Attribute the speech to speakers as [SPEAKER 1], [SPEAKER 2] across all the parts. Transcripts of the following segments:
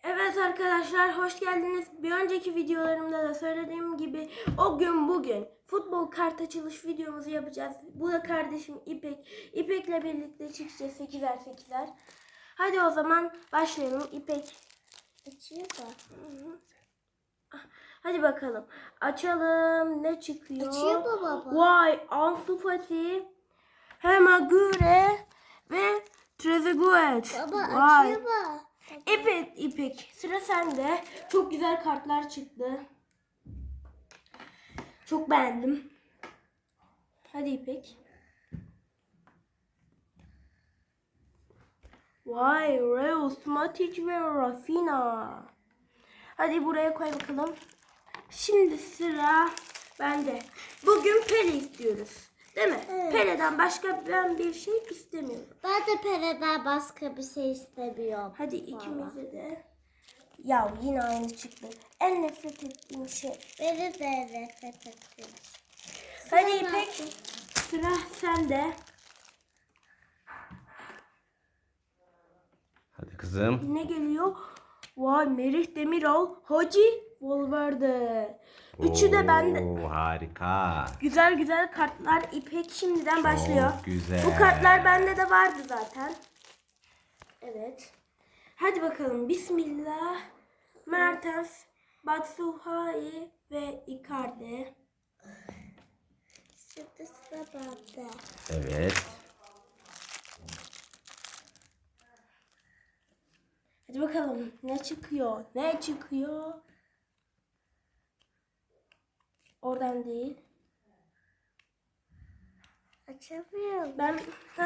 [SPEAKER 1] Evet arkadaşlar, hoş geldiniz. Bir önceki videolarımda da söylediğim gibi o gün bugün futbol kart açılış videomuzu yapacağız. Bu da kardeşim İpek. İpek'le birlikte çıkacağız 8'er 8'er. Hadi o zaman başlayalım. İpek açıyor da. Hadi bakalım. Açalım. Ne çıkıyor?
[SPEAKER 2] Açıyor mu baba?
[SPEAKER 1] Vay, Ansu Fati, Hemagüre ve Trezeguet.
[SPEAKER 2] Baba
[SPEAKER 1] Vay.
[SPEAKER 2] açıyor mu?
[SPEAKER 1] Evet İpek, sıra sende. Çok güzel kartlar çıktı. Çok beğendim. Hadi İpek. Vay, Reus, Matic ve Rafinha. Hadi buraya koy bakalım. Şimdi sıra bende. Bugün Pele istiyoruz. Değil mi?
[SPEAKER 2] Evet.
[SPEAKER 1] Pele'den başka ben bir şey istemiyorum.
[SPEAKER 2] Ben de Pere'den başka bir şey istemiyorum.
[SPEAKER 1] Hadi ikimize de. Ya yine aynı çıktı. En nefret ettiğim şey.
[SPEAKER 2] Beni de nefret ettim.
[SPEAKER 1] Hadi İpek, sıra sende.
[SPEAKER 3] Hadi kızım.
[SPEAKER 1] Ne geliyor? Vay, Merih Demiral, Hacı, Valverde. Üçü de bende.
[SPEAKER 3] Oo, harika.
[SPEAKER 1] Güzel güzel kartlar. İpek şimdiden başlıyor.
[SPEAKER 3] güzel.
[SPEAKER 1] Bu kartlar bende de vardı zaten. Evet. Hadi bakalım. Bismillah. Mertens, Batshuayi ve Icardi.
[SPEAKER 2] Şimdi sıra bende.
[SPEAKER 3] Evet.
[SPEAKER 1] Hadi bakalım. Ne çıkıyor? Ne çıkıyor? Oradan değil.
[SPEAKER 2] Açamıyorum.
[SPEAKER 1] Ben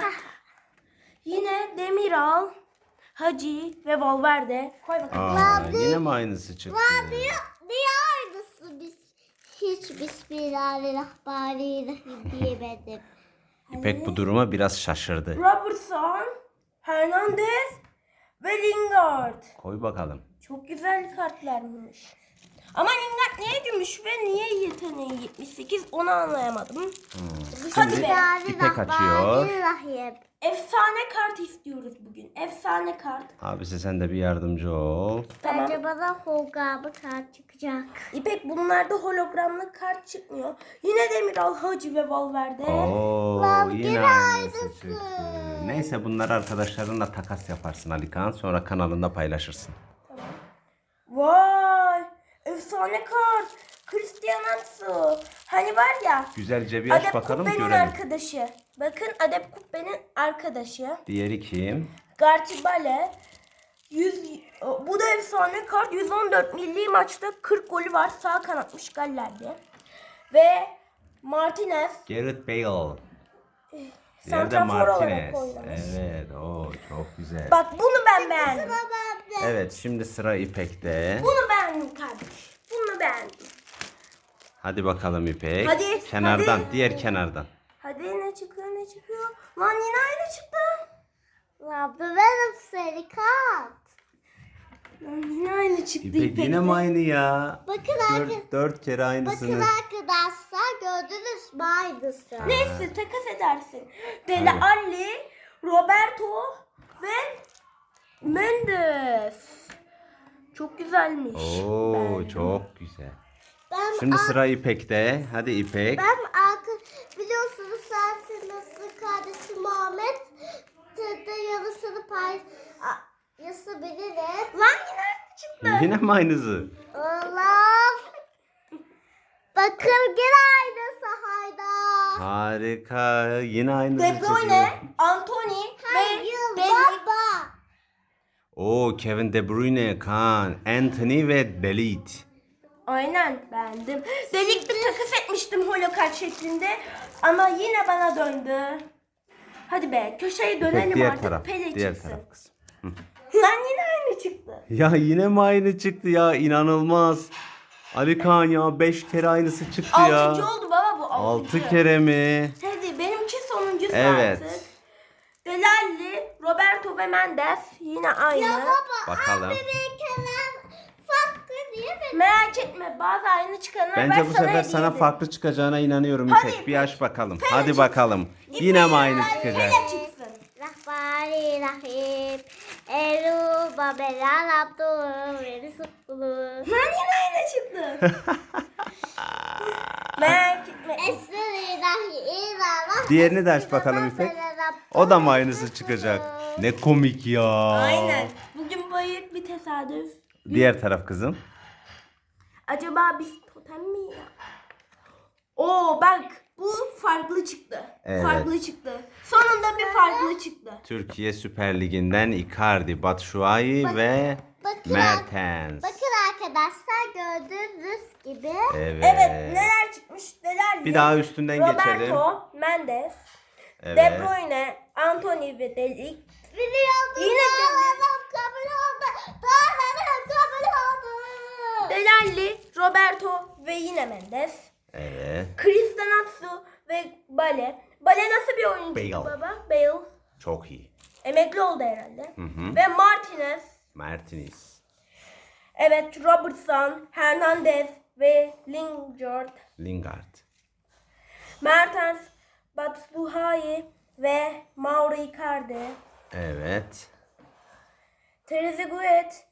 [SPEAKER 1] yine Demiral, Hacı ve Valverde. Koy bakalım.
[SPEAKER 3] Aa, yine mi aynısı çıktı?
[SPEAKER 2] Niye aynısı biz? Hiç Bismillahirrahmanirrahim diyemedim.
[SPEAKER 3] İpek bu duruma biraz şaşırdı.
[SPEAKER 1] Robertson, Hernandez ve Lingard.
[SPEAKER 3] Koy bakalım.
[SPEAKER 1] Çok güzel kartlarmış. Ama Lingard niye gümüş ve niye yeteneği 78 onu anlayamadım. Hadi be.
[SPEAKER 3] İpek açıyor.
[SPEAKER 2] Bismillahirrahmanirrahim.
[SPEAKER 1] Efsane kart istiyoruz bugün. Efsane kart.
[SPEAKER 3] Abisi sen de bir yardımcı ol.
[SPEAKER 1] Tamam.
[SPEAKER 2] Bence bana holgramı kart çıkacak.
[SPEAKER 1] İpek, bunlarda hologramlı kart çıkmıyor. Yine Demiral, Hacı ve Valverde.
[SPEAKER 3] Oo,
[SPEAKER 2] Lan,
[SPEAKER 3] yine
[SPEAKER 2] yine
[SPEAKER 3] aynısı
[SPEAKER 2] aynısı.
[SPEAKER 3] çıktı. Neyse bunları arkadaşlarınla takas yaparsın Alikan. Sonra kanalında paylaşırsın.
[SPEAKER 1] Vay! Efsane kart. Cristiano. Hani var ya.
[SPEAKER 3] Güzelce bir aç
[SPEAKER 1] Adep
[SPEAKER 3] bakalım
[SPEAKER 1] Kubbe'nin
[SPEAKER 3] görelim.
[SPEAKER 1] arkadaşı. Bakın, Adep Kubbe'nin arkadaşı.
[SPEAKER 3] Diğeri kim?
[SPEAKER 1] Gartibale. Bu da efsane kart. 114 milli maçta 40 golü var. Sağ kanatmış Galler'de. Ve Martinez.
[SPEAKER 3] Gareth Bale. Diğeri de
[SPEAKER 1] Santrafor olarak
[SPEAKER 3] Martinez.
[SPEAKER 1] oynamış.
[SPEAKER 3] Evet, o çok güzel.
[SPEAKER 1] Bak, bunu ben beğendim.
[SPEAKER 2] Sıra bende.
[SPEAKER 3] Evet, şimdi sıra İpek'te.
[SPEAKER 1] Bunu beğendim kardeş. Bunu beğendim.
[SPEAKER 3] Hadi bakalım İpek.
[SPEAKER 1] Hadi,
[SPEAKER 3] Kenardan,
[SPEAKER 1] hadi.
[SPEAKER 3] diğer kenardan.
[SPEAKER 1] Hadi, ne çıkıyor ne çıkıyor? Lan yine aynı çıktı.
[SPEAKER 2] Lan bu benim seri kart.
[SPEAKER 1] Lan yine aynı çıktı
[SPEAKER 3] İpek
[SPEAKER 1] İpek'te.
[SPEAKER 3] yine mi aynı ya?
[SPEAKER 2] Bakın
[SPEAKER 3] Dört kere
[SPEAKER 2] Bakın
[SPEAKER 3] aynısını.
[SPEAKER 2] arkadaşlar, gördünüz mü aynısı?
[SPEAKER 1] Neyse, takas edersin. Dele Alli, Roberto ve Mendes. Çok güzelmiş.
[SPEAKER 3] Oo,
[SPEAKER 1] Ben-
[SPEAKER 3] çok güzel.
[SPEAKER 2] Ben
[SPEAKER 3] Şimdi sıra İpek'te. Hadi İpek.
[SPEAKER 2] biliyorsunuz sensin nasıl kardeşim Muhammed tırda yarısını paylaşabilirim.
[SPEAKER 1] Lan yine aynı çıktı.
[SPEAKER 3] Yine mi aynısı?
[SPEAKER 2] Allah. Bakın gene aynısı hayda.
[SPEAKER 3] Harika. Yine aynısı
[SPEAKER 1] De
[SPEAKER 3] çıkıyor.
[SPEAKER 1] Bruyne, Anthony ve
[SPEAKER 2] Hayır
[SPEAKER 1] Deli.
[SPEAKER 2] baba.
[SPEAKER 3] Oo, Kevin De Bruyne, Kaan, Anthony ve Belit.
[SPEAKER 1] Aynen, beğendim. Delikli takas etmiştim holokart şeklinde ama yine bana döndü. Hadi be, köşeye dönelim
[SPEAKER 3] İpek diğer
[SPEAKER 1] artık.
[SPEAKER 3] taraf.
[SPEAKER 1] Pele
[SPEAKER 3] Diğer
[SPEAKER 1] çıksın.
[SPEAKER 3] taraf kızım.
[SPEAKER 1] Lan yine aynı çıktı.
[SPEAKER 3] Ya yine mi aynı çıktı ya? İnanılmaz. Ali Kaan ya 5 kere aynısı çıktı ya.
[SPEAKER 1] 6. oldu baba, bu 6.
[SPEAKER 3] 6 kere mi?
[SPEAKER 1] Hadi benimki sonuncusu
[SPEAKER 3] Evet.
[SPEAKER 1] artık. Delalli, Roberto ve Mendes yine aynı.
[SPEAKER 3] Bakalım.
[SPEAKER 2] Benimkiler farklı diye mi?
[SPEAKER 1] Merak etme, bazı aynı çıkanlar var,
[SPEAKER 3] Bence bu sefer
[SPEAKER 1] hediye
[SPEAKER 3] sana
[SPEAKER 1] ederim.
[SPEAKER 3] farklı çıkacağına inanıyorum
[SPEAKER 1] Hadi
[SPEAKER 3] İpek. Bir
[SPEAKER 1] İpek.
[SPEAKER 3] aç bakalım.
[SPEAKER 1] Pele
[SPEAKER 3] Hadi
[SPEAKER 1] çıksın.
[SPEAKER 3] bakalım.
[SPEAKER 1] İpek,
[SPEAKER 3] Yine mi aynı
[SPEAKER 1] Pele
[SPEAKER 3] çıkacak?
[SPEAKER 1] çıksın.
[SPEAKER 2] Rahmanirrahim. Eru babela laptu beni sutlu.
[SPEAKER 1] Lan yine aynı çıktı. Merak etme.
[SPEAKER 3] Diğerini de aç bakalım İpek. O da mı aynısı çıkacak? Ne komik ya.
[SPEAKER 1] Aynen. Bugün büyük bir tesadüf.
[SPEAKER 3] Diğer taraf kızım.
[SPEAKER 1] Acaba biz totem mi ya? Oo bak bu farklı çıktı.
[SPEAKER 3] Evet.
[SPEAKER 1] Farklı çıktı. Sonunda bir farklı çıktı.
[SPEAKER 3] Türkiye Süper Ligi'nden Icardi, Batshuayi ve
[SPEAKER 2] bakın
[SPEAKER 3] Mertens.
[SPEAKER 2] Bakın arkadaşlar gördüğünüz gibi.
[SPEAKER 3] Evet.
[SPEAKER 1] Evet neler çıkmış neler
[SPEAKER 3] Bir daha üstünden geçelim.
[SPEAKER 1] Roberto, Mendes,
[SPEAKER 3] Evet.
[SPEAKER 1] De Bruyne, Anthony ve De Ligt.
[SPEAKER 2] Biliyordum.
[SPEAKER 1] Yine
[SPEAKER 2] Doğanlarım kabul oldu. Doğanlarım kabul oldu.
[SPEAKER 1] Delalli, Roberto ve yine Mendes.
[SPEAKER 3] Evet.
[SPEAKER 1] Cristiano ve Bale. Bale nasıl bir oyuncu
[SPEAKER 3] Bale.
[SPEAKER 1] baba? Bale.
[SPEAKER 3] Çok iyi.
[SPEAKER 1] Emekli oldu herhalde.
[SPEAKER 3] hı.
[SPEAKER 1] Ve Martinez.
[SPEAKER 3] Martinez.
[SPEAKER 1] Evet Robertson, Hernandez ve
[SPEAKER 3] Lingard.
[SPEAKER 1] Mertens, Batshuayi ve Mauro Icardi.
[SPEAKER 3] Evet.
[SPEAKER 1] Trezeguet,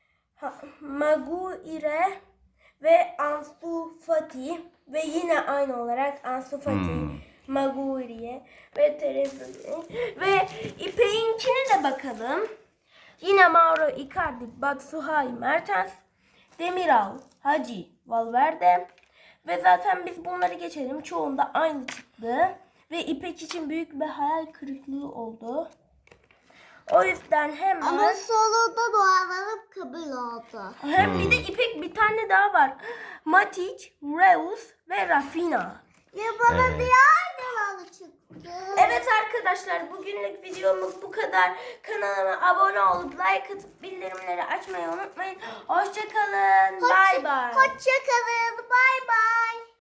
[SPEAKER 1] Maguire ve Ansu Fati ve yine aynı olarak Ansu Fati, Maguire ve Trezeguet ve İpek'inkine de bakalım. Yine Mauro Icardi, Batshuayi, Mertens, Demiral, Hacı, Valverde ve zaten biz bunları geçelim. Çoğunda aynı çıktı ve İpek için büyük bir hayal kırıklığı oldu. O yüzden hemen
[SPEAKER 2] Ama sonunda dualarım kabul oldu.
[SPEAKER 1] hem bir de İpek bir tane daha var. Matic, Reus ve Rafinha.
[SPEAKER 2] Ya bana
[SPEAKER 3] Evet.
[SPEAKER 2] niye aynı çıktı?
[SPEAKER 1] Evet arkadaşlar bugünlük videomuz bu kadar. Kanalıma abone olup like atıp bildirimleri açmayı unutmayın. Hoşçakalın. Bay bay.
[SPEAKER 2] Hoşçakalın. Bay bay.